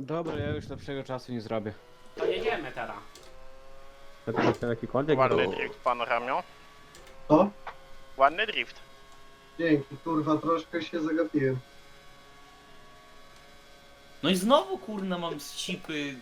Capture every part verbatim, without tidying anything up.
Dobra, ja już lepszego czasu nie zrobię. To jedziemy teraz. To jest jakikolwiek Ładny był. drift, pan Ramio. Co? Ładny drift. Dzięki, kurwa, troszkę się zagapiłem. No i znowu kurna mam z cipy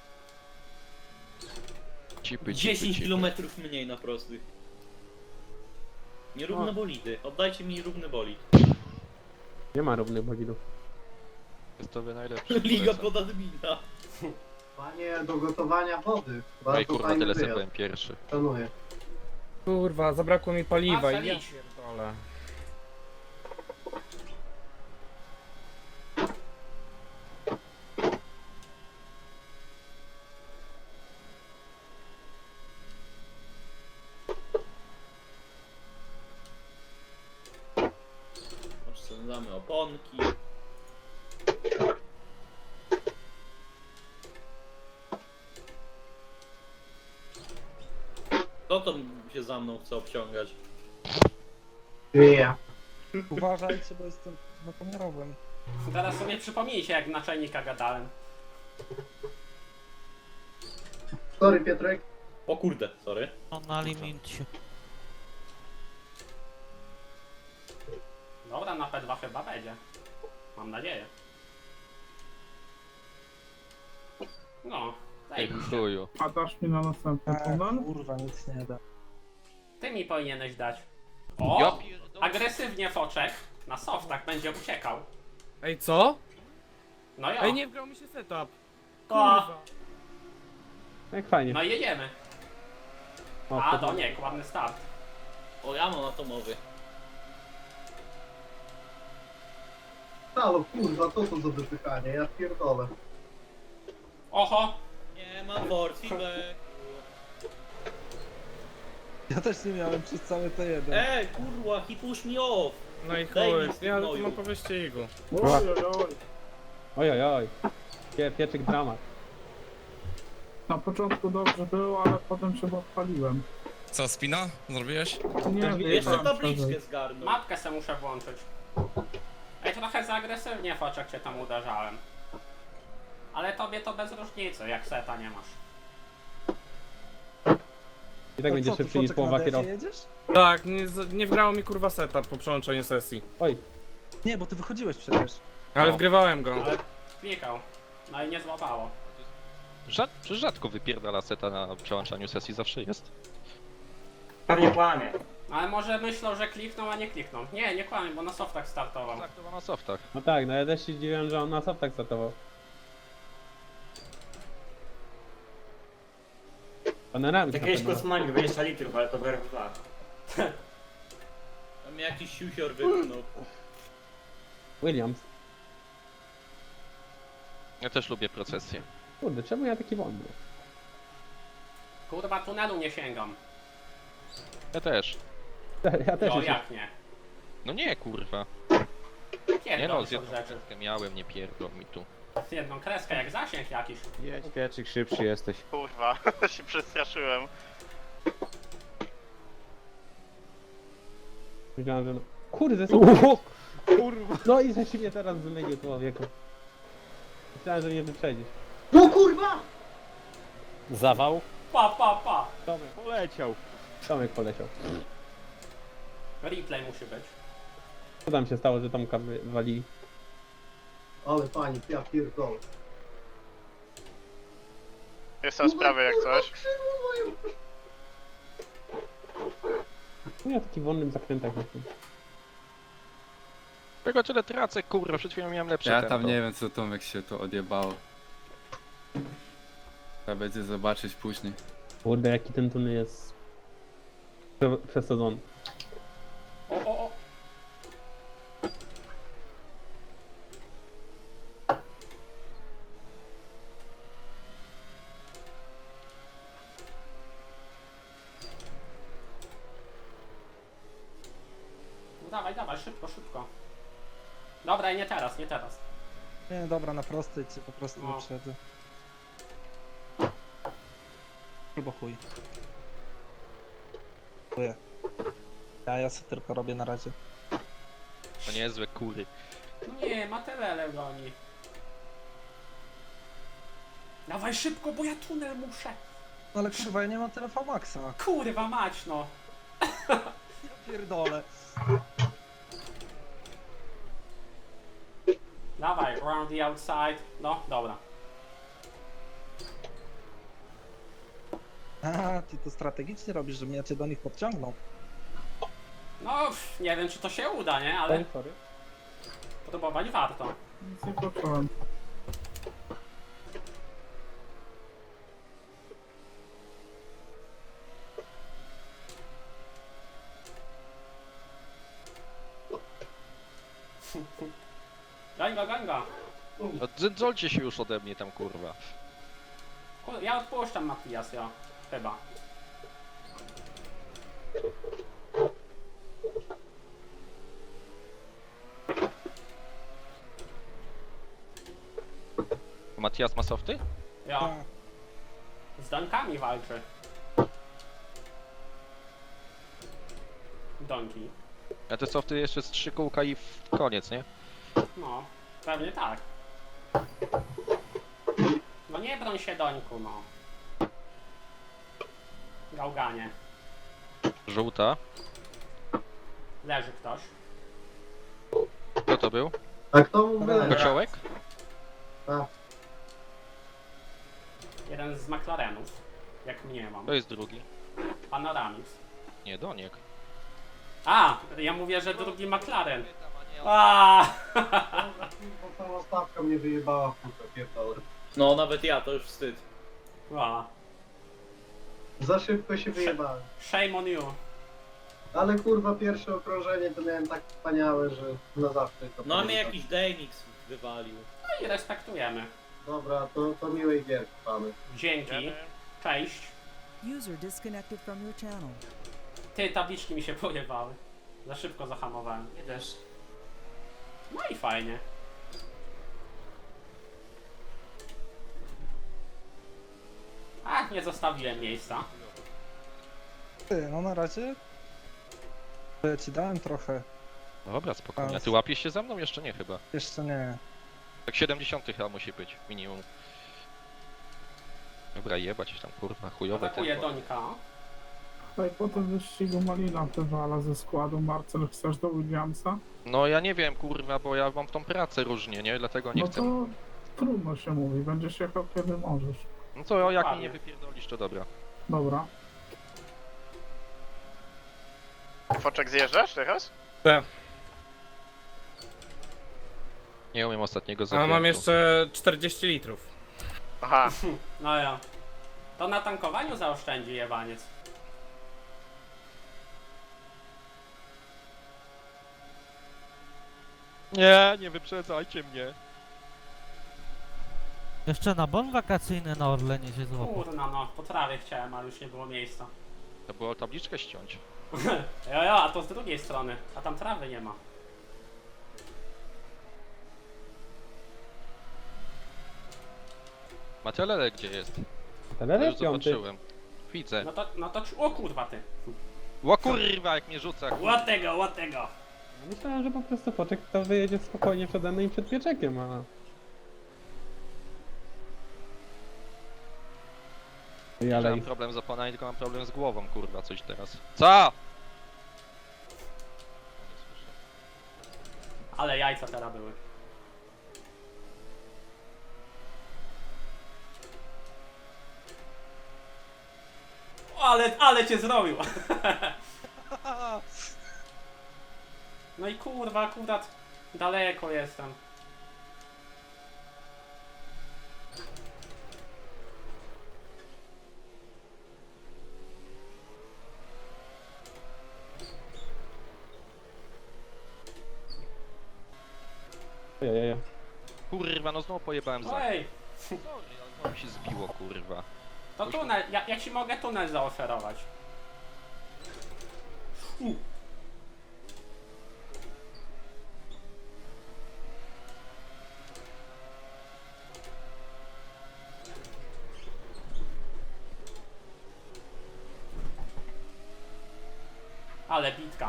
Cipy, cipy, dziesięć cipy. kilometrów mniej na prostych. Nierówne bolidy. Oddajcie mi równy bolid. Nie ma równych bolidów. Jest to najlepszy. Liga polecam. pod admina. Panie do gotowania wody. No i Bardzo kurwa, fajny tyle sobie wyjazd. byłem pierwszy. Szanuję. Kurwa, zabrakło mi paliwa Marcel, i ja idź. pierdolę. Oszczędzamy oponki. Kto to się za mną chce obciągać? Nie. Uważajcie, bo jestem napomiarowym. Teraz sobie przypomnijcie, jak naczelnika gadałem. Sorry, Piotrek. O kurde, sorry. No na limicie. Dobra, na P dwa chyba będzie. Mam nadzieję. No, Ej, daj. chuju. A dasz mi na następny A, tunel? kurwa, nic nie da. Ty mi powinieneś dać. Ja O! pierdolę. Agresywnie foczek. Na softach będzie uciekał. Ej, co? No jo. Ej, nie wgrał mi się setup. O, Kurwa. Jak fajnie. no i jedziemy. O, A, to- to nie, ładny start. O, ja mam atomowy. Halo, kurwa, co to za wypychanie? Ja pierdolę. Oho! Nie mam forcibek. Ja też nie miałem przez cały T jeden. Ej, kurwa, he push me off. No i Daj mi chuj, ja gnoju. mam po wyścigu. Oj, oj, oj. Pie, pieczyk dramat. Na początku dobrze było, ale potem się odpaliłem. Co, spina? Zrobiłeś? Nie, Jeszcze wiem, tabliczkę zgarnął. Mapkę se muszę włączyć. Ej, trochę za agresywnie foczek cię tam uderzałem. Ale tobie to bez różnicy, jak seta nie masz. I tak będzie szybszy niż połowa kierowców. jedziesz? Tak, nie, z- nie wgrało mi kurwa setup po przełączeniu sesji. Oj, Nie, bo ty wychodziłeś przecież. Ale No. wgrywałem go. Ale klikał. No i nie złapało. Rzad, przecież rzadko wypierdala seta na przełączaniu sesji, zawsze jest. Pewnie kłamie. Ale może myślą, że klikną, a nie klikną. Nie, nie kłamie, bo na softach startował. Tak, to ma na softach. no tak, no ja też się zdziwiłem, że on na softach startował. Panorami. Jakieś kosmani dwadzieścia litrów, ale to W R dwa. Tam jakiś siusior wypchnął. Williams. Ja też lubię procesję. Kurde, czemu ja taki wolny? Kurwa, tunelu nie sięgam. Ja też. Ja też O, jeszcze... jak nie? No nie, kurwa. Nie Pierdol no, z są jedną rzeczy. kreskę miałem, nie pierdol mi tu. Z jedną kreskę, jak zasięg jakiś. Jedź, pieczyk, szybszy jesteś. Kurwa, się przestraszyłem. Myślałem, że no... Kurde, co? Kurwa. No i że się mnie teraz wymienił człowieku. Myślałem, że mnie wyprzedzisz. No kurwa! Zawał? Pa, pa, pa! Tomek, Poleciał. Tomek poleciał. Replay musi być. Co tam się stało, że Tomka wywalili? Ale pani, ja pierdolę. Jestem sprawy jak coś. No ja w takich wolnym zakrętach jestem. Czego tyle tracę, kurwa, przed chwilą miałem lepsze Ja tempo. tam nie wiem, co Tomek się to odjebało. Trzeba będzie zobaczyć później. Kurde, jaki ten tunel jest... prze- przesadzony. O, o, o! No dawaj, dawaj, szybko, szybko. Dobra, i nie teraz, nie teraz. Nie, dobra, na prostej cię po prostu No. wyprzedzę. Albo chuj. Chuję. Ja, ja sobie tylko robię na razie. To niezłe kury. No nie, Matelele goni. Dawaj szybko, bo ja tunel muszę. Ale kurwa, ja nie mam tyle V-Maxa. Kurwa mać, no. Pierdolę. Dawaj, round the outside. No, dobra. A, ty to strategicznie robisz, że mnie cię do nich podciągnął. No, pff, nie wiem czy to się uda, nie? Ale Sorry, sorry. próbować warto. Nic nie poczułem. Gań go, gań go. No, dzolcie się już ode mnie tam, kurwa. Kur- Ja odpuszczam Matias, ja. Chyba. Matias ma softy? Ja. Tak. Z donkami walczy. Donki. A te softy jeszcze z trzy kółka i w koniec, nie? No, pewnie tak. No nie broń się dońku, no. Gałganie. Żółta. Leży ktoś. Kto to był? A kto mu wylewa? Kociołek? Jeden z McLarenów. Jak mnie mam. To jest drugi. Panoramix. Nie, Doniek. A! Ja mówię, że drugi McLaren. A! Bo cała stawka mnie wyjebała w kurwa, pierdolę. No, nawet ja, to już wstyd. A. Za szybko się wyjebałem. Shame on you. Ale kurwa, pierwsze okrążenie to miałem tak wspaniałe, że na zawsze to No, a mnie pamiętam. jakiś Dejmix wywalił. No i respektujemy. Dobra, to, to miłej gierki pany. Dzięki. Cześć. User disconnected from your channel. Ty, tabliczki mi się pojebały. Za szybko zahamowałem. Nie też. No i fajnie. A, nie zostawiłem miejsca. Ty, no na razie... To ja ci dałem trochę. Dobra, spokojnie. A ty łapiesz się za mną? Jeszcze nie chyba. Jeszcze nie. Tak siedemdziesiąt chyba musi być, minimum. Dobra, jebać tam, kurwa, chujowe Atakuje tempo. Dońka. Tutaj po tym wyścigu Malina wywala ze składu. Marcel, chcesz do Williamsa? No ja nie wiem, kurwa, bo ja mam tą pracę różnie, nie? Dlatego nie No chcę. to trudno się mówi, będziesz jechał kiedy możesz. No co, jak mi Dokładnie. nie wypierdolisz, to dobra. Dobra. Foczek zjeżdżasz teraz? Nie umiem ostatniego A zakrętu. mam jeszcze czterdzieści litrów. Aha, No ja. To na tankowaniu zaoszczędzi jebaniec. Nie, nie wyprzedzajcie mnie. Jeszcze na bon wakacyjny na Orlenie się złapał. Kurna no, po trawie chciałem, ale już nie było miejsca. To było tabliczkę ściąć. Jo, jo, a to z drugiej strony. A tam trawy nie ma. Matelele gdzie jest? Ja Telele już piąty. zobaczyłem. Widzę. No to, no to, ci- o kurwa ty. Ło kurwa, jak mnie rzuca. kurwa. Ład tego, ład tego. Myślałem, że po prostu Poczek to wyjedzie spokojnie przede mną i przed pieczekiem, a... I Nie ale mam problem z oponami, tylko mam problem z głową, kurwa, coś teraz. Co? Ale jajca teraz były. O, ale, ale cię zrobił. No i kurwa, akurat daleko jestem. Ojej, Kurwa, no znowu pojebałem za. Ej, Sorry, ale znowu się zbiło, kurwa. to tunel, ja, ja ci mogę tunel zaoferować. U. Ale bitka.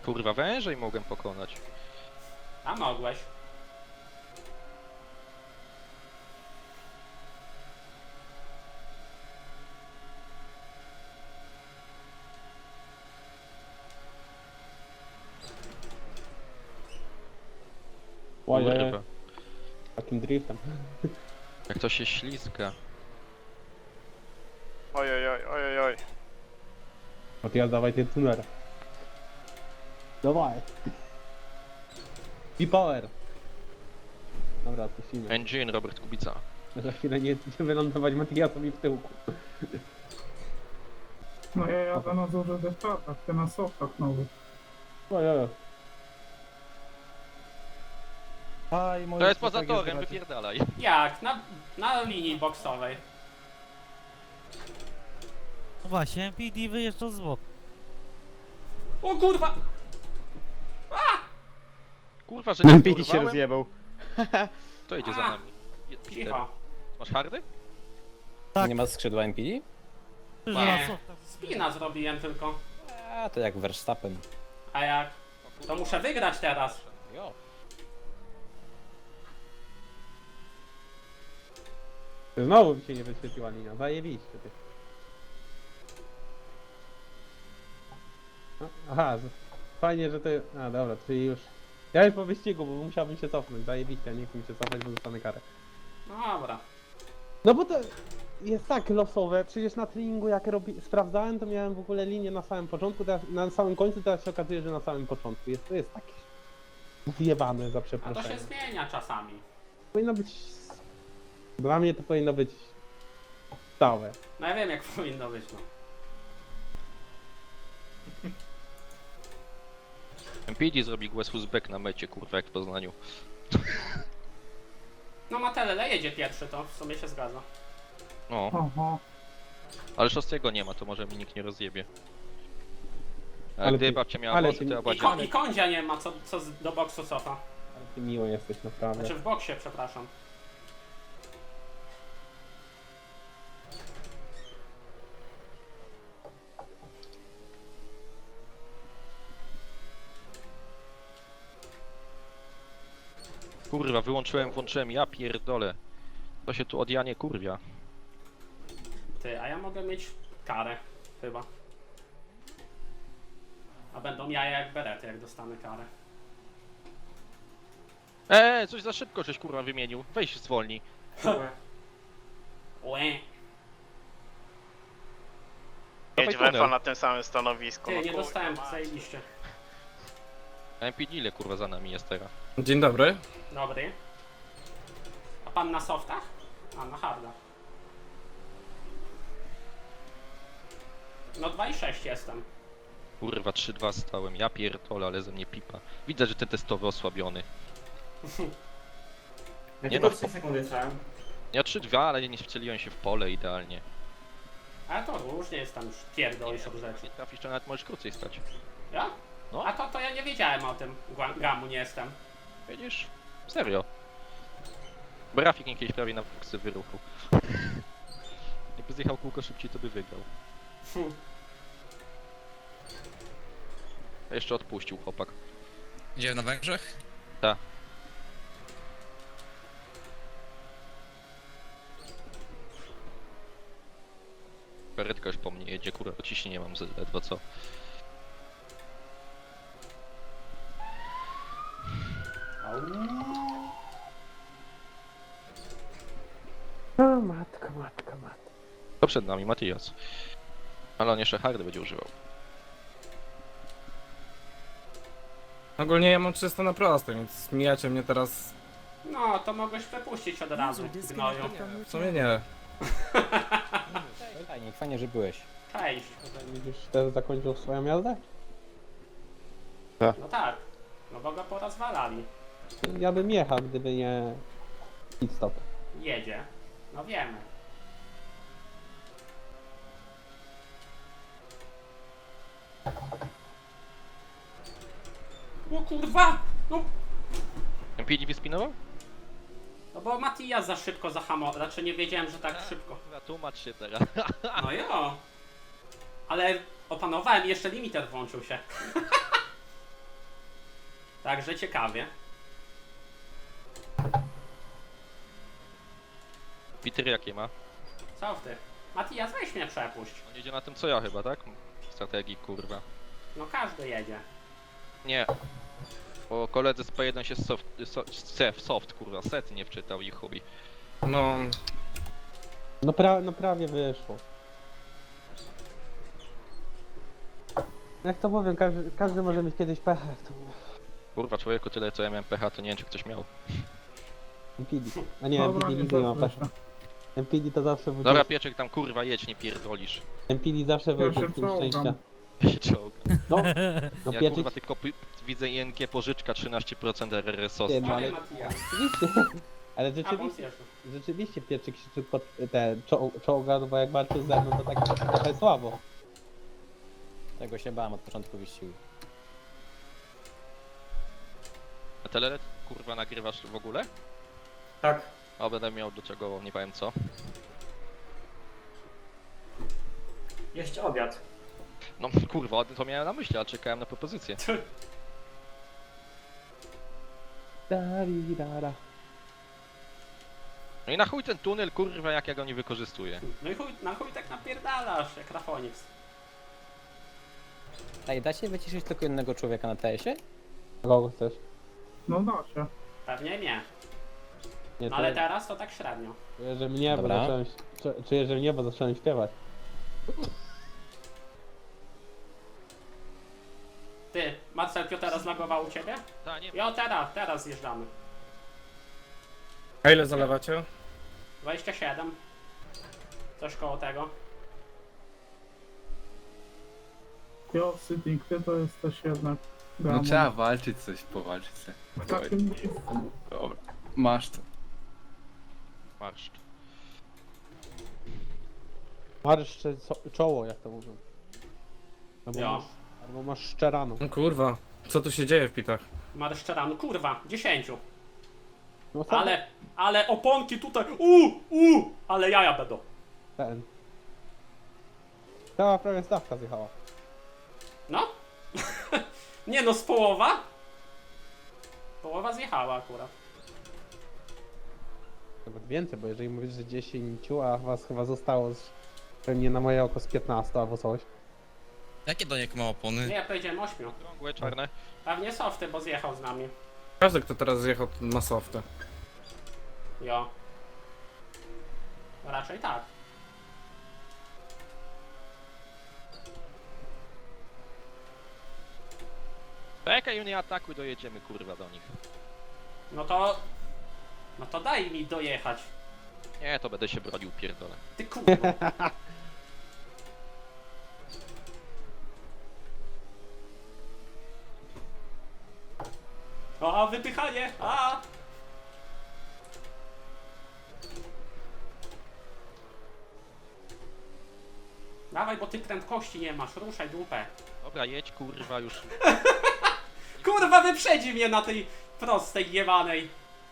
Kurwa, wężej mogłem pokonać. A mogłeś. Ojej, Kurwa, takim driftem. jak to się ślizga. Oj, oj, oj, oj, oj. Matijas, dawaj ten tuner. Dawaj. B-Power. Dobra, odpuścimy. Engine, Robert Kubica. Za chwilę nie, nie wylądować Matijasowi w tyłku. No ja jadę na dużych deszczach, ty na softach nowych. Ojej. Aj, moje To jest poza strategie torem, zdradził. wypierdalaj. Jak? Na, na linii boksowej. No właśnie, P D wyjeżdżał z boku. O kurwa! Kurwa, że nie P D się porwałem? rozjebał. To idzie za A. nami. Je- Peter, Cicho. masz hardy? Tak. Nie ma skrzydła M P D? Że Nie. na softach. Spina zrobiłem tylko. A, to jak Verstappen. A jak? To muszę wygrać teraz. Jo. Znowu mi się nie wyświetliła linia, zajebiście ty. No, aha, z- fajnie, że to... A dobra, czyli już... Ja już po wyścigu, bo musiałbym się cofnąć, zajebiście, nie chcę mi się cofnąć, bo dostanę karę. No dobra. No bo to jest tak losowe, przecież na treningu jak robi... sprawdzałem, to miałem w ogóle linię na samym początku, teraz, na samym końcu, teraz się okazuje, że na samym początku. Jest, to jest takie... zjebane, za A to przeproszeniem. się zmienia czasami. Powinno być... Dla mnie to powinno być... stałe. No ja wiem jak powinno być, no. M P D zrobi West Uzbek na mecie, kurwa, jak w Poznaniu. No Matelele jedzie pierwszy, to w sumie się zgadza. No, Oho. ale szóstego nie ma, to może mi nikt nie rozjebie. A Ale gdy ty- babcia miała ale włosy, ty- to ja I, bardziej... ko I kądzia nie ma, co, co z, do boksu cofa. Ale ty miło jesteś naprawdę. Znaczy w boksie, przepraszam. Kurwa, wyłączyłem, włączyłem, ja pierdolę. To się tu od Janie kurwia. Ty, a ja mogę mieć karę, chyba. A będą jaja jak berety, jak dostanę karę. Eee, coś za szybko żeś kurwa wymienił. Weź zwolnij. Łe. Dawaj Jedź wefa tunel. na tym samym stanowisku. Ty, no nie kurwa, dostałem, mać. zajebiście. A M P D ile kurwa za nami jest teraz? Dzień dobry. Dobry. A pan na softach? A, na hardach. No dwa i sześć jestem. Kurwa, trzy dwa stałem, ja pierdolę, ale ze mnie pipa. Widzę, że ten testowy osłabiony. Ja Nie tylko no, trzy sekundy trzałem. Ja trzy dwa, ale nie wcieliłem się w pole idealnie. Ale to różnie jest tam już pierdolisz od rzeczy. Nie trafisz, to nawet możesz krócej stać. Ja? No. A to, to ja nie wiedziałem o tym. Gła- Gamu nie jestem. Widzisz? Serio. Brafik mnie kiedyś prawie na fuksy wyruchał. Jakby zjechał kółko szybciej, to by wygrał. Hm. A jeszcze odpuścił chłopak. Gdzie na Węgrzech? Tak. Karetka już po mnie jedzie, kurwa, ciśnienie mam z- ledwo co. O matka, matka, matka. To przed nami Matias. Ale on jeszcze hardy będzie używał. Ogólnie ja mam trzysta na proste, więc mijacie mnie teraz... No, to mogłeś przepuścić od razu, gnoju. W sumie nie. Fajnie, fajnie, że byłeś. Cześć. Widzisz, też zakończył swoją jazdę? No tak. No bo go porozwalali. Ja bym jechał, gdyby nie... pit stop. Jedzie. No wiemy. O kurwa! No, M P D wyspinował? no bo Matija za szybko zahamował. Znaczy nie wiedziałem, że tak szybko. Kurwa, tłumacz się teraz. No jo. Ale opanowałem i jeszcze limiter włączył się. Także ciekawie. Peter jakie ma? Co w ty? Matias, weź mnie przepuść. On jedzie na tym co ja chyba, tak? Strategii, kurwa. No każdy jedzie. Nie. Bo koledzy z P jeden się soft, so, soft, soft kurwa, set nie wczytał i chuj. No, No, pra no prawie wyszło. Jak to powiem, każdy, każdy może mieć kiedyś pecha, jak to mówię. Kurwa, człowieku, tyle co ja miałem pecha, to nie wiem czy ktoś miał. M P D. A nie, Dobra, M P D nie nigdy nie ma zaznacz. pecha. M P D to zawsze był Dobra, Pieczek tam kurwa jedź, nie pierdolisz. M P D zawsze był Ja się punktem czołgam. szczęścia. Czołg. No, no Ja pieczyk, kurwa tylko py- widzę I N G pożyczka trzynaście procent R R S O S. Nie, no, Ale ale- Matias. rzeczywiście, ale A, bo rzeczywiście, zjeżdżam. rzeczywiście pieczyk się tylko te czoł, czołga, no bo jak walczył ze mną to tak trochę słabo. Tego się bałem od początku wyścigu. A telelet kurwa nagrywasz w ogóle? Tak. A będę miał do czego, nie powiem co. Jeść obiad. No kurwa, to miałem na myśli, ale czekałem na propozycję. Daridara. No i na chuj ten tunel kurwa jak ja go nie wykorzystuję. No i chuj, na chuj tak napierdalasz, jak Rafonix. Ej, da się wyciszyć tylko jednego człowieka na T S-ie? Kogo chcesz? No da się. Pewnie nie. Nie, No to ale teraz to tak średnio. czuję, że mnie, bo Dobra. zacząłem, czu- czuję, że mnie, bo zacząłem śpiewać. Ty, Marcel Piotera zlagował u ciebie? Ta, nie Jo, teraz, teraz zjeżdżamy. a ile zalewacie? dwadzieścia siedem. Coś koło tego. Jo, Sydney, ty to jesteś jednak No gamon. trzeba walczyć coś, powalczyć se. W takim miejscu. Dobra. Masz to. marsz. Marszcze co- czoło, jak to mówią. Albo, Jo. masz, albo masz szczerano. No kurwa, co tu się dzieje w pitach? Marszczeran, kurwa, dziesięciu. No sam Ale, ale oponki tutaj, u, u, ale jaja będą. ten. Cała prawie stawka zjechała. No? Nie no, z połowa? Połowa zjechała akurat. Nawet więcej, bo jeżeli mówisz, że dziesięć, a was chyba zostało z, pewnie na moje oko z piętnaście albo coś. Jakie do niego ma opony? Nie, pojedziemy ośmiu. Krągłe, czarne. Pewnie softy, bo zjechał z nami. Każdy, kto teraz zjechał na softy. Jo. Raczej tak. Czekaj, nie atakuj, dojedziemy kurwa do nich. No to... No to daj mi dojechać. Nie, to będę się bronił, pierdolę. Ty kurwa. A, wypychanie! A! Dawaj, bo ty prędkości nie masz, ruszaj dupę. Dobra, jedź kurwa już. Kurwa, wyprzedzi mnie na tej prostej, jebanej.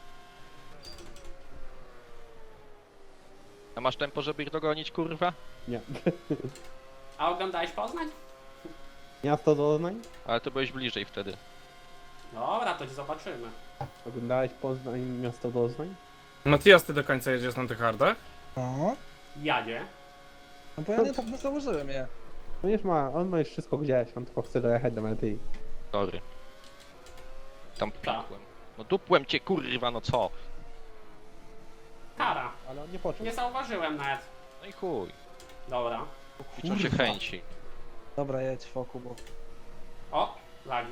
A masz tempo, żeby ich dogonić kurwa? Nie. A oglądałeś Poznań? Miasto Doznań? Ale to byłeś bliżej wtedy. Dobra, to zobaczymy. Oglądałeś Poznań, miasto Doznań? Matias, ty do końca jedziesz na tych hardach? No, Jadzie. no bo ja nie tak nie założyłem je. No już ma, on ma już wszystko gdzieś, on tylko chce dojechać do mety. Sorry. Tam Tak. pikłem. No dupłem cię kurwa, no co? Kara. Ale on nie poczuł. Nie zauważyłem nawet. No i chuj. Dobra. Liczą się chęci. Dobra, jedź wokół, bo... O, lagi.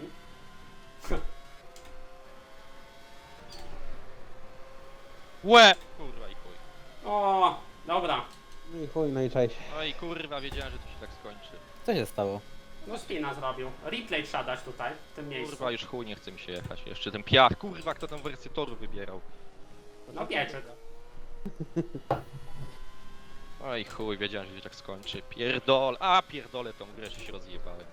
Łe! Kurwa i chuj. O, dobra. No i chuj, no i cześć. No i kurwa, wiedziałem, że to się tak skończy. Co się stało? No spina zrobił. Replay trzeba dać tutaj, w tym miejscu. Kurwa, już chuj, nie chce mi się jechać. Jeszcze ten piach. Kurwa, kto tą wersję toru wybierał? No pieczyk. No i chuj, wiedziałem, że się tak skończy. Pierdol. A, pierdolę tą grę, że się rozjebałem.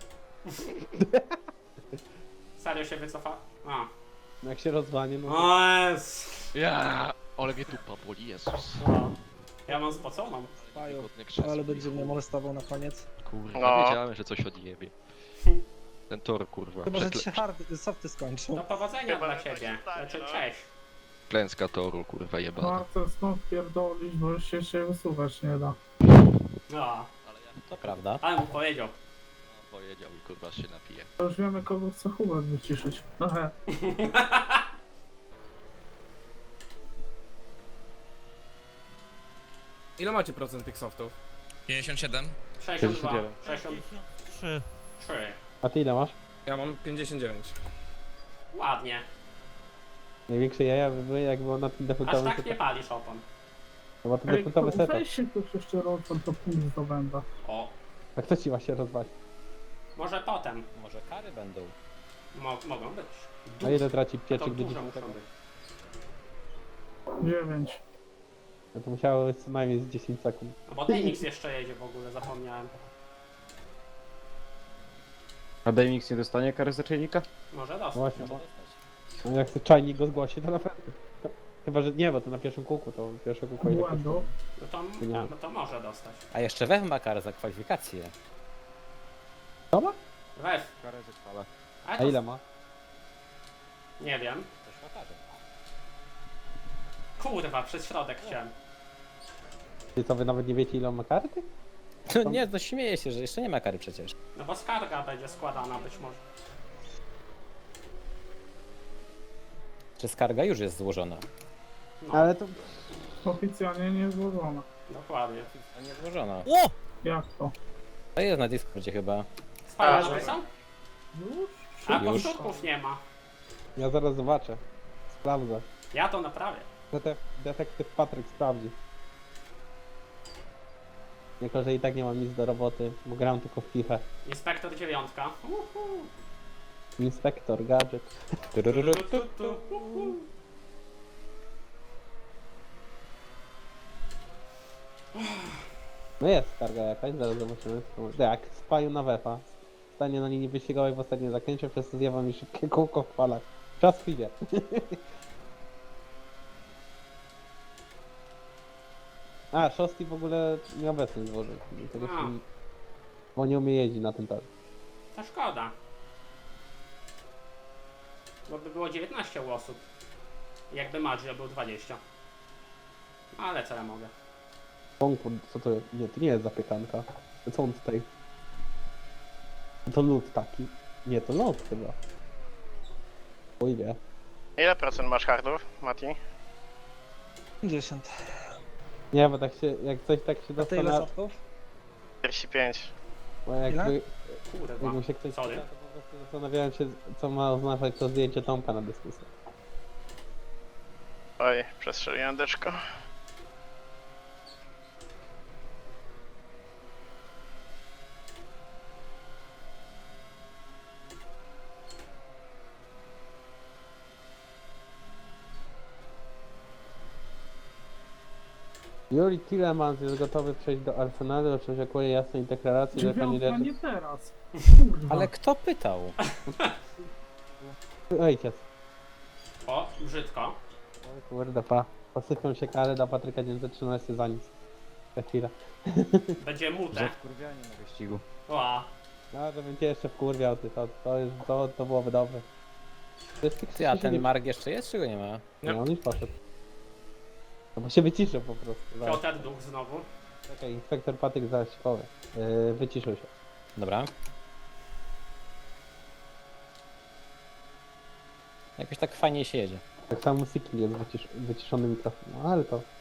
Serio się wycofa? A. No jak się rozwanie, no to... O, jest. Ja, ale mnie dupa boli, Jezus. No. Ja mam spoconą. Paju, Wygodne krzesło. ale będzie mnie molestował na koniec. Kurwa, No. wiedziałem, że coś odjebie. Ten tor, kurwa. Chyba, że Przekle... ci się hard, softy skończą. Do powodzenia Chyba, dla że tak ciebie. się stanie, Znaczy, no. cześć. Klęska toru, kurwa, jebana. Marcel, skąd pierdolić, bo już się, się wysuwać nie da. No, Ale ja To prawda. ale mu powiedział. no, powiedział i kurwa się napije. To już wiemy, kogo chce Hubert wyciszyć. No he. Ile macie procent tych softów? pięćdziesiąt siedem. sześćdziesiąt dwa. sześćdziesiąt trzy. A ty ile masz? Ja mam pięćdziesiąt dziewięć. Ładnie. Największe jaja by były, jak było na tym Aż defaultowym tak nie setupie. palisz opon. No bo to Ej, defaultowy setup. weź się ktoś jeszcze rozwal, to pół zdobędę. O, A kto ci właśnie rozwali? może potem. Może kary będą. Mo mogą być. A ile traci To pieczyk do dużo muszą dziesiątego? być. Dziewięć. No to musiało być co najmniej z dziesięć sekund. No bo Denix jeszcze jedzie w ogóle, zapomniałem. A Demix nie dostanie kary za czajnika? Może dostać. Właśnie, bo no jak sobie czajnik go zgłosi, to na pewno. Chyba, że nie, bo to na pierwszym kółku, to pierwsze kółko ile Błędu. kosztuje? No to, Nie. no to może dostać. A jeszcze Wech ma karę za kwalifikację. Co ma? Weź. Karę za kwala. Ale A to ile ma? nie wiem. Też ma karę. Kurwa, przez środek chciałem. Ty co, wy nawet nie wiecie ile on ma karty? No nie, no śmieję się, że jeszcze nie ma kary przecież. No bo skarga będzie składana być może. Czy skarga już jest złożona? No, Ale to... Oficjalnie nie złożona. dokładnie. A nie złożona. O! Jak to? To jest na Discordzie chyba. Spalone są? Już? A Już. powtórków nie ma. Ja zaraz zobaczę. Sprawdzę. Ja to naprawię. Detek detektyw Patryk sprawdzi. Jako, że i tak nie mam nic do roboty, bo gram tylko w FIFA. Inspektor dziewiątka. Uhu. Inspektor, gadżet. Turururu. Tu, tu, tu. Uhu. No jest skarga jakaś, zaraz zobaczymy. Jak spaju na wefa. Stanie na linii wyścigowej w ostatnim zakręcie, przez to zjawa mi szybkie kółko w falach. Czas chwilę. A, Szosty w ogóle nieobecny złożył. Tego A. się... Bo nie umie jeździć na tym torze. To szkoda. Bo by było dziewiętnaście osób. Jakby Maggio był dwadzieścia. No ale co ja mogę. Konkurs, co to jest? Nie, to nie jest zapiekanka. Co on tutaj? To lód taki. Nie, to lód chyba. Oj wie. Ile procent masz hardów, Mati? pięćdziesiąt. Nie, bo tak się, jak coś tak się A ty ile zastanawia, softów? czterdzieści pięć. bo jakby, Kurwa. jakby się ktoś Sorry. pyta, to po prostu zastanawiałem się, co ma oznaczać to zdjęcie Tomka na dyskusję. Oj, przestrzeliłem deczko. Juri Tillemans jest gotowy przejść do Arsenalu, oczekuje jasnej deklaracji, że Dziewiątka kandydaci... nie teraz. Kurwa. Ale kto pytał? Ojciec. O, brzydko. O kurde, pa. Posypią się kary dla Patryka nie zaczyna się za nic. Za chwilę. Będzie mute. Wkurwianie na wyścigu. Ła. No, że będzie jeszcze wkurwiał, ty, to, to, już, to, to byłoby dobre. To jest tych Ty, a krzyży nie- ten Mark jeszcze jest, czy go nie ma? Nie, on już poszedł. No bo się wyciszył po prostu. Zaraz. Piotr Duch znowu. Czekaj, inspektor Patyk zaraz ci powie. Yy, wyciszył się. Dobra. Jakoś tak fajnie się jedzie. Tak samo Siki jest wycisz wyciszony mikrofon. No ale to...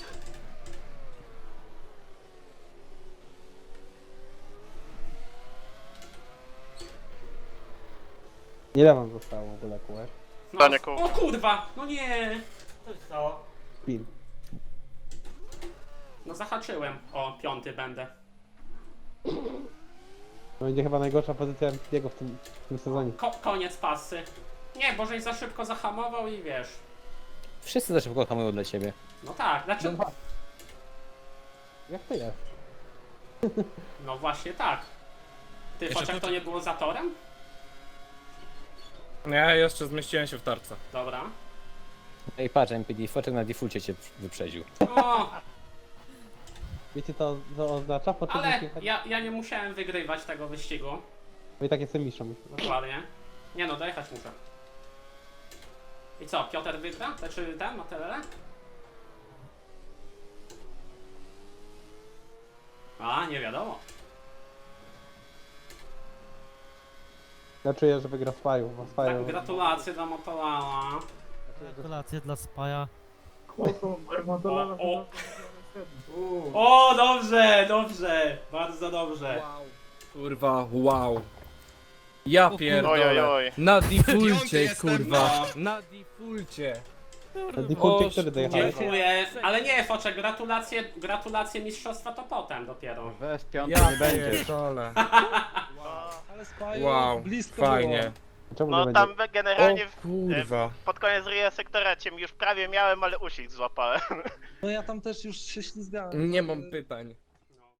Ile wam zostało w ogóle kółek? No, Danie kółko. o kurwa! No nie! Co się stało? Pin. No zahaczyłem. O, piąty będę. To będzie chyba najgorsza pozycja jego w tym, w tym sezonie. Ko koniec pasy. Nie, bo żeś za szybko zahamował i wiesz. Wszyscy za szybko hamują dla ciebie. No tak, znaczy. No, jak to jest? No właśnie tak. Ty, Jeszcze chociaż tu- to nie było za torem? No ja jeszcze zmieściłem się w tarce. Dobra. Ej, patrz, M P D, foczek na defaulcie cię wyprzedził. O, Wiecie co to oznacza? Po czym ale jechać- ja, ja nie musiałem wygrywać tego wyścigu. Bo i tak jestem mistrzem. Dokładnie. Nie no, dojechać muszę. I co, Piotr wygra? Znaczy ten, Matelele? A, nie wiadomo. Ja czuję, że wygra Spaju, bo Tak, Spaju... gratulacje dla Motolala. Gratulacje dla Spaja. Chłopą, Modelala O, o. O, dobrze, dobrze. Bardzo dobrze. Kurwa, wow. Ja Oj, oj, pierdolę. oj. Na Piąty defaulcie, jestem, kurwa. no. Na defaulcie. Na defaulcie, O, który dojechałeś? Dziękuję. Ale nie, Foczek, gratulacje, gratulacje mistrzostwa to potem dopiero. Weź piąty Ja nie będzie. pierdolę. Ale Spaju Wow, blisko fajnie. Czemu nie No będzie? tam generalnie O w, kurwa. pod koniec ryja sektoraciem już prawie miałem, ale uścisk złapałem. było. No ja tam też już się ślizgałem. Nie mam pytań.